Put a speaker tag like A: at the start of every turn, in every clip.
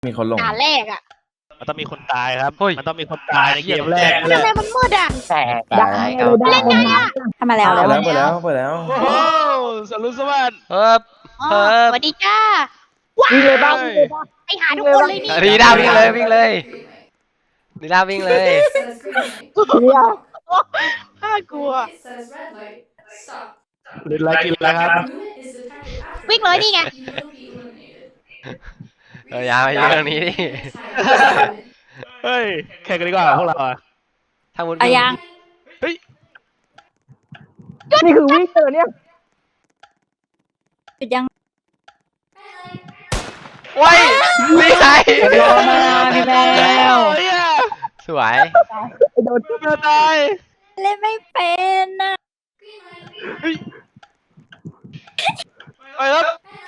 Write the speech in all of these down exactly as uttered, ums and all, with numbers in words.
A: มีคนลง
B: ด่านแรกอ่ะ
C: มันต้องมีคนตายครับมันต้องมีคนตายในเกมแรก
B: ทำไมมันมืดอ่ะ
D: แต่ได้ก็
B: เล่นไงอ่ะ
E: ทำมาแล้ว
A: เปิดแล้วเปิดแล้วเปิดแล้ว
C: โอ้โหสรุปสวัสดิ์
D: เฮ้ย
B: อ๋อ
D: เฮ้ย
B: สวัสดีจ้า
E: วิ่งเลยบ้างวิ่งเลยบ้าง
B: ไปหาทุกคนเลยนี่
D: ดีด้าวิ่งเลยวิ่งเลยดีด้าวิ่งเลย
E: เนี่ย
B: น่ากลัว
C: หรืออะไรกินแล้วครับ
B: วิ่งเลยนี่ไง
D: เอออย่าไปเรื่องนี้ดิ
C: เฮ้ยแข่งกันดีกว่าพวกเราอ่ะ
D: ถ้ามุด
E: อายัง
C: เฮ้ย
E: นี่คือวิ่งเจอเนี่ยหยุดยัง
D: ว้ายไม่ใช่
E: พี่แมว
C: เฮ้ย
D: สวย
E: โดน
C: เมื่อตาย
E: เล่นไม่เป็นนะ
C: เฮ้ยไปแล้ว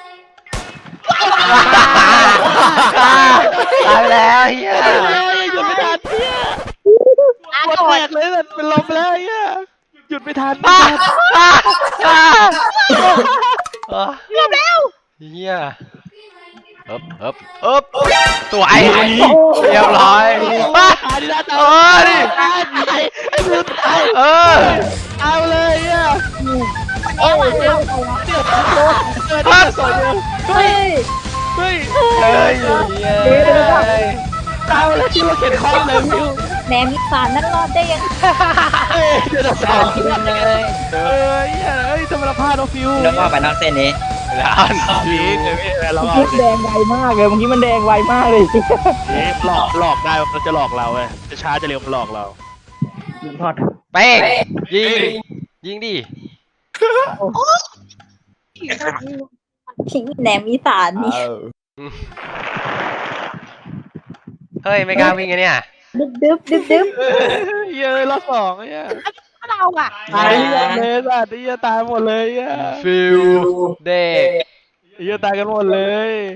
D: ตายไปแล้วเฮีย
C: หยุดไม่ทันเฮีย
B: อา
C: ปวด
B: โกร
C: แต
B: ธ
C: กเลยเป็นลมแล้วเฮียหยุดไม่ทัน
D: อ่ะอ่ะอ่ะอ่ะ
B: เรียบแล้ว
D: เฮียเอ๊บเอ๊บเอ๊บสวยเรียบร้อยอ่ะ
C: ตายดินะ
D: เออดิ
C: ตายตายไอ้มือตาย
D: เออ
C: เอาเลยเฮีย
B: แล้วอ่ะเอา
C: เดือดเดือดเดือดสองเดียว
E: เฮ้ย
C: เฮ้ย
D: เฮ้ยเฮ้ย
C: เอาเลยที่เราเขียนคอมเลยฟิว
E: แหนมมีสารนั่นรอดได้ยัง
C: เอ้ยเดือดสอง
E: เลย
C: เอ้ยเฮ้ยทำไมเราพลาดเราฟิว
F: แล้วก็ไปนอกเส้นนี้
D: แล้ว
C: พีกเลยพี่เรา
E: เมื่อกี้แดงไวมากเลยเมื่อกี้มันแดงไวมากเลย
C: หลอกหลอกได้มันจะหลอกเราเว้ยจะช้าจะเร็วมันหลอกเรา
E: ทอด
D: เป้งยิงดิยิงดิ
E: ทิ้งแหนมมีสารนี่
A: เออ
D: เฮ้ยไม่กล้าวิ่งไงเนี่ย
E: ดึ๊บดึ๊บดึ๊บดึ๊บ
C: เย้ยรอบสองเนี่ย
B: เราอ่ะ
C: ตายเลยสัตว์เย้ยตายหมดเลยเย้ย
D: ฟิลเด็ก
C: เย้ยตายกันหมดเลย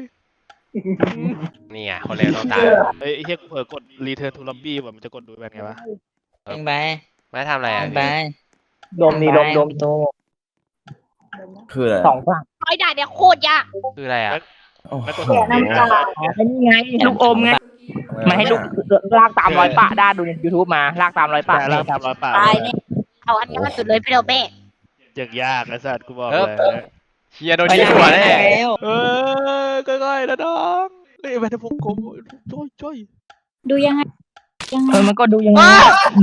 D: นี่ไงคนเร็วต้องตาย
C: เฮ้ยเฮียเผลอกด return to lobby แบบมันจะกดดูแบบไงวะ
F: เองไป
D: ไม่ทำอะไรอ่ะ
F: ไป
E: ดมนี่ดมดม
F: โต
A: คืออะไร
E: สองฝั่ง
B: ร้อยด่านเนี่ยโคตรยาก
D: คืออะไรอ่ะ
A: โอ้โห
C: แล้วกด
E: น้ำตาไอ้นี่ไงลูกอมไงมาให้ลูกลากตามรอยปะได้ดูใน YouTube มาลากตามรอยปะ
C: แต่ล่างตามร้อยป่า
E: ตายเนี่ย
B: เอาอันนี้มาสุดเลยพี่เราเบ้
C: อย่างยากไอ้สัตว์กูบอก
D: เอ
C: เล
D: อ
C: ย
D: เชียร์โดนยิงหัวแน่
F: แล้ว
C: เออค่อยๆนะน้องเฮ้ยไปทำผมกลมช่วยช่วย
E: ดูยังไงยังไงเออมันก็ดูยังไงดู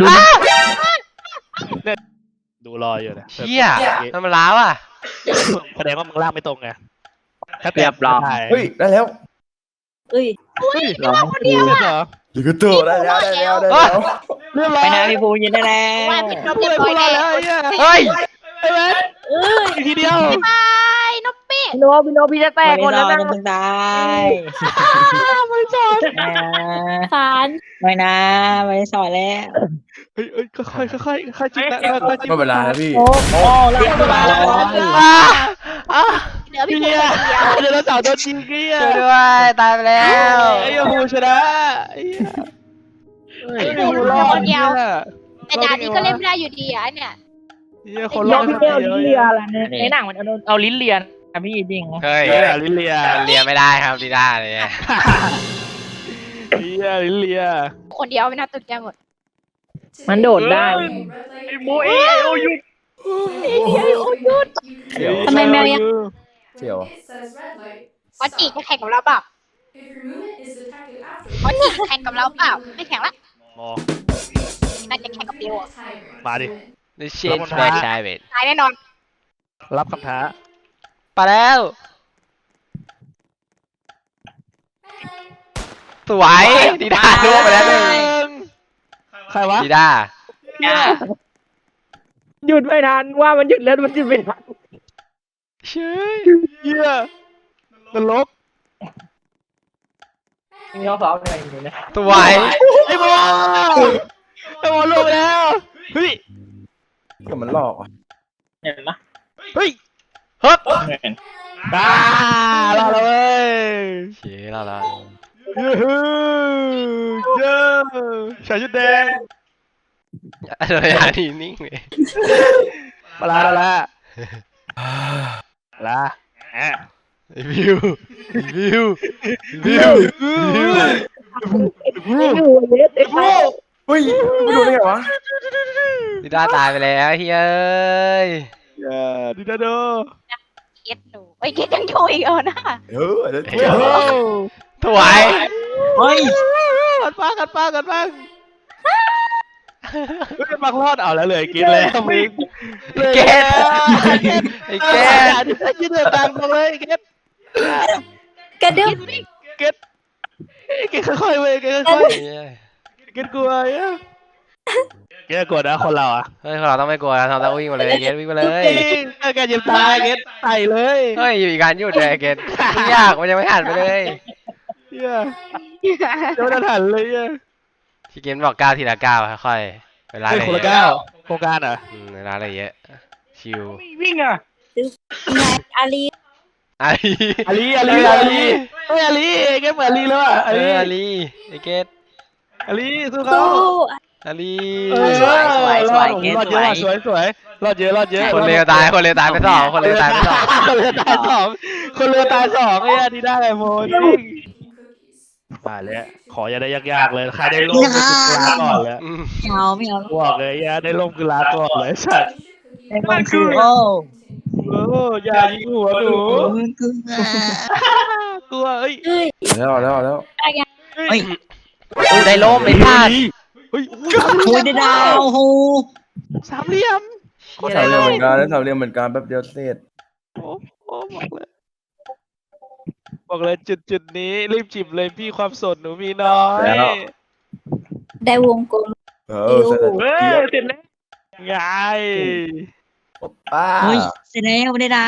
C: ดูรออยู่นะ
D: เชียทำมันล้าวอ่ะ
C: แสดงว่ามึงลากไม่ตรงไงถ้า
F: เรียบร้อย
A: เฮ้ยได้แล้ว
E: เอ้ย
C: เฮ้ยเราคนเดียวเหรอ
A: ลิกตัวได้แล้วได้แล้วได้แล้ว
C: เรียบร้
F: ไป
C: อย
F: นะพี่ภูยินได้แล้
B: ว่าว ผิดนบ
C: เรี
B: เรี
C: ย
B: ย
C: บบ ร้
B: ร้
C: อ
B: อย ย
C: แล้
B: แล้ว ว
C: เนี่ย
D: เฮ้ย
C: ไอ้แมน
E: เอ้ย
C: อีกทีเดียว
B: บายนบเบ้
E: พี่โนพี่โนพี่จะแตกหมดแล้วนะ
F: ไม่ต้องตาย
C: ไม่สอน
E: สาร
F: ไม่นะไม่สอนแล้ว
C: เฮ้ยเฮ้ยค่อยๆค่อยๆค่อยๆจิ้มนะค่อยๆจิ้ม
A: ไม่เป็นไรนะพี่
E: โอ้โหลากมาแล้ว
D: อ่ะอ่ะ
B: เหลือพี่
C: พี่
B: ภู
C: เนี่ย
B: คนเดียว
C: เดี๋ยวเราสาวโดนยิงเกี้ย
D: ช่วยด้วยตายไปแล้ว
C: ไอ้ยาฮูชนะไอ้ยา
B: พี่ภูเหลือคนเดียวแต่ด่านนี้ก็เล่นไม่ได้อยู่ดีอ่ะเนี่ย
C: เฮียคน
E: ย
C: รอ
E: อ
C: ด
E: พี่เดียวลิ้นเลียอะไรเนี่ยในหนังมันเอาเอาลิ้นเลียนอะพี่จริง
D: เฮ้ย
C: เฮียลิเลีย
D: เรียนไม่ได้ครับดีด้าเลยเนี่ย
C: เฮียลิเลีย
B: คนเดียวไม่น่าตื่นใจหมด
E: มันโดดได้
C: ไอ้โมเอโอยุด
A: เสี่ยว
E: ทำไมแมวยัง
A: เสี่ยว
B: วันจีจะแข่งกับเราเปล่าวันจีแข่งกับเราเปล่าไม่แข่งละ
C: มอ
B: น่าจะแข่งกับเบลอะ
C: มาดิ
D: ดิเชนแบชายเวท
B: ตายแน่นอน
C: รับคำท้า
D: ไปแล้วสวยดีด้าล่วงไปแล้วหนึ่ง
C: ใครวะ
D: ดีด้า
E: หยุดไม่ทันว่ามันหยุดแล้วมันหยุดไม่ทัน
D: เชื่อ
C: เฮียนรก
E: มีน้องสาวอะไรอยู่นะ
D: สวย
C: ไอ้โมไอ้โมลงไปแล้วเฮ้ย
A: เดี๋ยวมันหลอกอ่ะ
E: เห็นไหม
C: เฮ้ย
D: ฮึบ
C: บ้ารอดแล้วเว้ย
D: เชี่ยเราละ
C: เย้ฮู้เย้ชายชุดแดง
D: โดยอาทีนิ่งเลย
C: มาลาละละละแอะ
D: ไอ้วิวไอ้วิวไอ้วิวไอ้วิว
E: ไม่อยู่เยสไอ้พวก
A: เฮ้ยไม่ดูได้ไงวะ
D: ดิด้าตายไปแล้วเฮ้ยเอ้ย
C: อย่าดิดาโด
B: เก็ตดูไอ้ยเก็ตยังอยู่อีกเออนะ
A: เออเดี๋ยวเจ๋ว
D: ถวาย
F: เฮ้ย
C: กันป้ากันป้ากันป้าเฮ้ยบังรอดเอาแล้วเลยกินแล้วมึง
D: ไอ้เกตไอ้เกต
C: ยืดเดือดตังมาเลยเก็ต
B: กระดึ๊บ
C: เก็ตเก็ตค่อยๆเว้ยเก็ตค่อยๆเก็ตกลัวอ่ะเก็ตกลัวนะคนเราอ่ะ
D: เฮ้ยเราต้องไม่กลัวนะเราต้องวิ่งมาเลยเกตวิ่งมาเลย
C: แกยิงตายเก็ตไต่เลย
D: เฮ้ยอยู่อีกการหยุดเลยเกตไม่ยากมันยังไม่หันไปเลย
C: เฮียจะไม่ทันเลยอ่ะ
D: ที่เกมบอกก้าวทีละก้าวค่อยๆเวลา
C: เฮ้ย
D: เลย
C: คนละก้าวโครงการเหรอ
D: อืมเวลาอะไรเยอะชิว
E: วิ่งอ่ะ
B: นายอาลี
D: อาลี
C: อาลีอาลีอาลีเฮ้ยอาลีเก็ตเหมือนอาลีแล้วอ่ะ
D: เอ
C: อาลี
D: ออาลีไอ้เกต
C: อาลีสู้เขา
B: สู้
D: อาลี
C: เออ
F: สวยสวยสวยเกต
C: รอดเยอะ
F: สวย
C: สวยสวยรอดเยอะรอดเยอะ
D: คนเลวตายคนเลวตายไปสองคนเลวตายไปสอง
C: คนเรือตายสองคนเรือตายสองไอ้ยดีได้ไงโมจริงมาแล้วขออย่าได้ยากๆเลยใครได้ล่มก็คือลาก่อนเลย
D: อืม
F: ไม่เอาไม่เอา
C: บอกเลยอย่าได้ล่มคือลาก่อนเลยสัตว์
F: ไอ้มันคือโอ้
C: โอ้อย่ายิงหัวหนู
F: มันคือก
C: ลัวเอ้ย
B: เฮ้ย
A: แล้วแล้วแล้ว
F: เฮ้ย
D: ได้ล่มไอ้พลาด
C: เฮ้ย
F: โอ้ยได้ดาวโห
C: สามเหลี่ยม
A: สามเหลี่ยมเหมือนกันแล้วสามเหลี่ยมเหมือนกันแป๊บเดียวเสร็จ
C: โอ้โอ้บอกเลยบอกเลยจุดจุดนี้รีบจิบเลยพี่ความสดหนูมีน้อย
B: ได้วงกลม
A: เออเสร็จแล้ว
C: เฮ้ย
A: เจี๊ยบ
C: เสร็จแล้วไง
A: ป้า
F: เฮ้ยเสร็จแล้วได้ดาว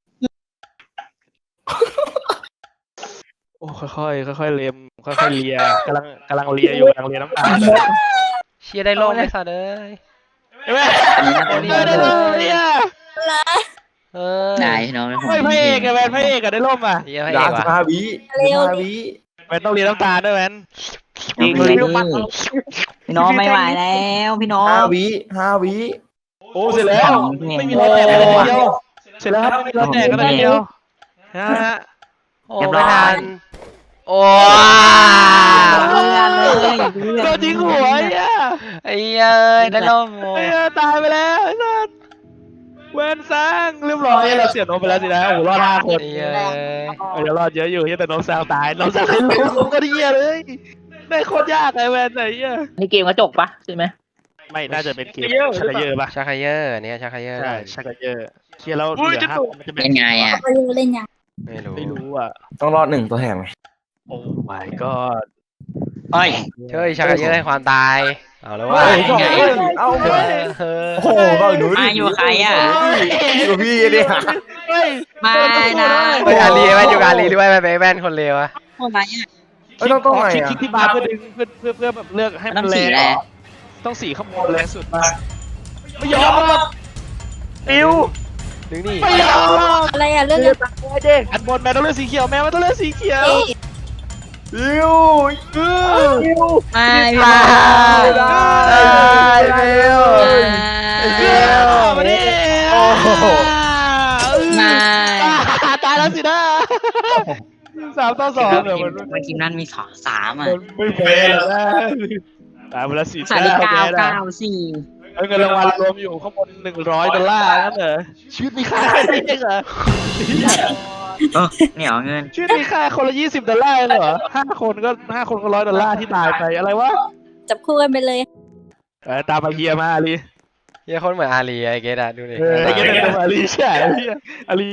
C: โอ้ค่อยๆค่อยๆเล็มค่อยๆเลียกำลังกำลังเลียอยู่กำลังเลียน้ำตาล
D: เชียร์ได้ล่มไอ้สัตว์เอ้ย
C: ใช่ไหม
F: อันนี้นะ
C: โอ้ยได้เลยเนี่ย
D: เออ
F: ได้พี่น้อง
C: ไม่พระเอกอะแมนพระเอกอะได้ร่มอะ
D: เชียร์ให้
A: ด่า
D: เอก
A: สิบ
D: ว่ะ
A: ห้าวิสิบห้าวิ
C: แมนต้องเลียน้ำตาลด้วยแมน
F: จริงเลยพี่น้องไม่ไหวแล้วพี่น้อง
A: ห้าวิห้าวิ
C: โอ้เสร็จแล้วไม่มีรอยแตกกันเลยเดียวเสร็จแล้วครับไม่มีรอยแตกกันเลยเดียวนะฮะ
D: โอ้ไม่ทันโอ้
F: เพื่อนเลย
C: โดนยิงหัวไอ้เหี้ย
D: ไอ้เอ้ยได้ล่มโอ้
C: ไอ้เหี้ยตายไปแล้วไอ้สัสเวนสร้างเรียบร้อยเราเสียนมไปแล้วสินะโอ้โหรอดห้าคน
D: ไอ้เอ้ย
C: เออเดี๋ยวรอดเยอะอยู่เหี้ยแต่น้องสาวตายน้องสาวให้ลูกลูกก็เหี้ยเลยได้โคตรยากไอ้แวนไหนเหี้ย
E: นี่เกมกระจกปะใช่ไหม
C: ไม่น่าจะเป็นเกมชักเยอะปะ
D: ชักไคเยอร์เนี่ยชักไคเยอร์
C: ใช่ชักเยอะเคลียร์แล้วเหลือห้ามันจะเป็น
F: เป็นไงอ่ะ
B: เขาเล่นยัง
D: ไม่รู้
C: ไม่รู้อ่ะ
A: ต้องรอดหนึ่งตัวแถมไง
C: โอ้ my god
F: เฮ้ย
D: เฮ้ยชักไคเยอร์ให้ความตายเอาแล้วว่า
A: เฮ้ยเฮ้ยเอา
D: เอ
A: เว้ย
D: อเออ
A: โอ้โหก็หนูดิ
F: มาอยู่กับใครอ่ะ
A: อยู่กับพี่เนี่ย
C: เฮ้ย
F: มานะ
D: เฮ้ยอาลีแม่นอยู่กับอาลีด้วยแม่นแม่นคนเลวอะ
F: คนไรอ่ะ
A: เอ้ยต้องต้องไง
C: คลิก
A: อ่ะ
C: คลิกที่บาร์เพื่อดึงเพื่อเพื่อเพื่อแบบเลือกให้มัน
F: ต้อง
C: แร
F: สี
C: ง
F: อะไร
C: ต้องสีข้างบนแรงสุดมาไม่ยอมหรอกปิว
D: ดึงนี่
C: ไม่ยอมหรอก
B: อะไรอะเรื่อง
C: เลือกเด็กอันบนแม่ต้องเลือกสีเขียวแม่มันต้องเลือกสีเขียว
A: บิว
C: เออ
F: มาพี่
D: ตา
F: น้อง
D: ยตายเร็ว
C: เออมาดิ
A: โอ้โห
F: มา
C: ตายแล้วสินะสามต่อสองเดี๋ยวมัน
F: เมื่อกี้นั้นมีสองสามอ่ะ
C: มันไม่แพ้หรอกนะตายไปแล้วสี่
F: สามเก้าเก้าสี่
C: เงินรางวัลรวมอยู่ข้างบนหนึ่งร้อยดอลลาร์นั่นเหรอชีวิตมีค่าแค่นี้เองเหรอ
F: เออเหนียวเงิน
C: ชีวิตมีค่าคนละยี่สิบดอลลาร์เหรอห้าคนก็ห้าคนก็ร้อยดอลลาร์ที่ตายไปอะไรวะ
B: จับคู่กันไปเลย
C: เออตามมาเฮียมาอาลี
D: เฮียคนเหมือนอาลีไอ้เกดอะดูดิ
C: เออไอ้เงี้ยตามมาอาลีใช่เฮียอาลี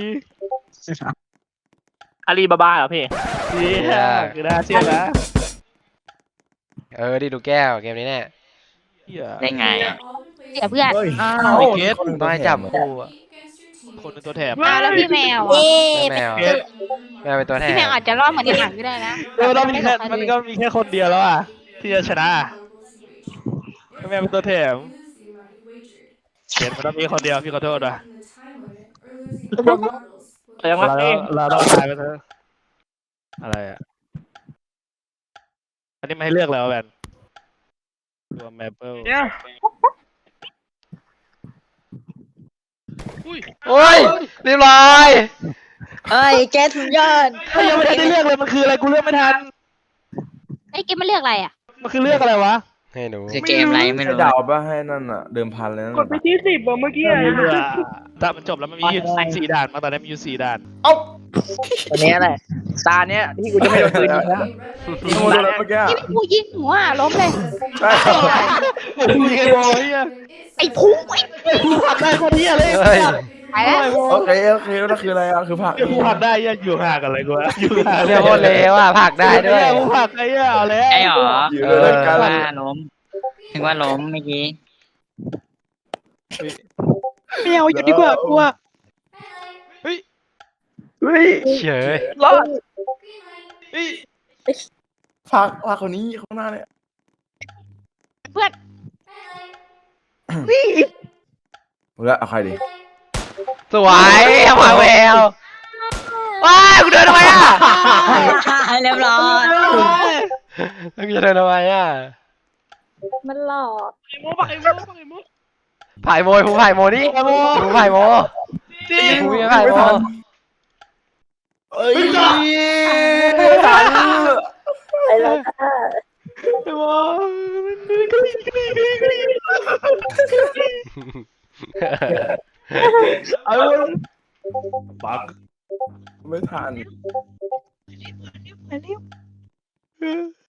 E: อาลีบาบาเหรอพี่
C: เฮียคือน่าเชื่อนะ
D: เออดิดูแก้วเกมนี้แน่
C: เฮีย
F: ได้ไงอ่ะ
B: เสียเพื่อน
A: เฮ้ย
C: อ้าวไอ้เกส
D: ต้องให้จับคู่อะ
C: คนเป็นตัวแถม
B: มาแล้วพี่แมว
C: เอ๊
B: อะ
D: แมว
C: เกส
D: แมวเป็นตัวแทน
B: พี่แมวอาจจะรอดเหมือนในหนังก็ได้นะ
C: เออเรามีแค่มันก็มีแค่คนเดียวแล้วอ่ะที่จะชนะแม่เป็นตัวแถมเกสมันต้องมีคนเดียวพี่ขอโทษอ่ะ
E: แต่ยังรัก
C: เรา
E: เอง
C: เราต้องตายไปเถอะอะไรอ่ะอันนี้ไม่ให้เลือกแล้วแบนตัวแมปเปิล
E: เนี่ย
D: โอ้ยเรียบร้อย
F: เอ้ยแกสุดยอด
C: เฮ้ยยังไม่ทันได้เลือกเลยมันคืออะไรกูเลือกไม่ทัน
B: ไอ้เกมมันเลือกอะไรอ่ะ
C: มันคือเลือกอะไรวะ
D: ให้หนู
F: คือเกมอะไรไม่
A: ให้
F: รู้
A: เดาวป่ะให้นั่นอ่ะ เดิมพันเลยนั่น
G: กดไปที่สิบอะเมื่อกี้อะ
C: ไม่เลือกถ้ามันจบแล้วมันมีอยู่สี่ด่านมาตอนนี้มีอยู่สี่ด่าน
A: เอ้า
E: วันนี้แหละตาเนี้ยที่กูจะไม่โดนปืนยิงแล้ว
A: ขโมยโดนแล้วเมื่อกี้
B: ที่กูยิงหัวอะล้มเลย
A: ใช่เหรอ
C: กูยิงไอ้โว้ย
B: ไอ้พุงไอ้
C: กูผักได้คนเดียวเลย
D: เฮ้ย
B: ไปแล้ว
A: โอเคโอเคแล้วคืออะไรอ่ะคือผัก
C: กูผักได้ยังอยู่ห่างกันเลยกูอยู่ห่าง
D: เรียกว่าเลวอ่ะผักได้ด้วย
C: กูผักไอ้เหี้ยเอาแล้ว
F: ไอ้หรอ
A: อยู่ด้วยกัน
F: ว่าล้มถึงว่าล้มเมื่อกี้
C: ไม่เอาอยู่ดีกว่ากลัว
A: เฮ้ย
D: เฉย
E: รอด
A: ผักผักคนนี้ข้างหน้าเนี่ย
B: เพื่อน
A: เอาละเอาใครดี
D: สวยเอามาแววว้ายกูเดินทำไมอ่ะ
F: เรียบร้อย
D: แล้วกูจะเดินทำไมอ่ะ
B: มันหลอก
C: ไอ้โม่ปักไอ้โม่ปักไอ้โม่
D: ผ่ายโมยผู้ผ่ายโมนี่
C: ไอ้โม่
D: ผู้ผ่ายโม
C: จริง
D: ผู้ยังผ่ายโม
A: เอ้ยไม่ทัน
B: ไปแล้วจ้า
C: ไอ้โม่กรี๊ดกรี๊ดกรี๊ดกรี๊ดกรี๊ดเอาปัก
A: ไม่ทัน
C: เออ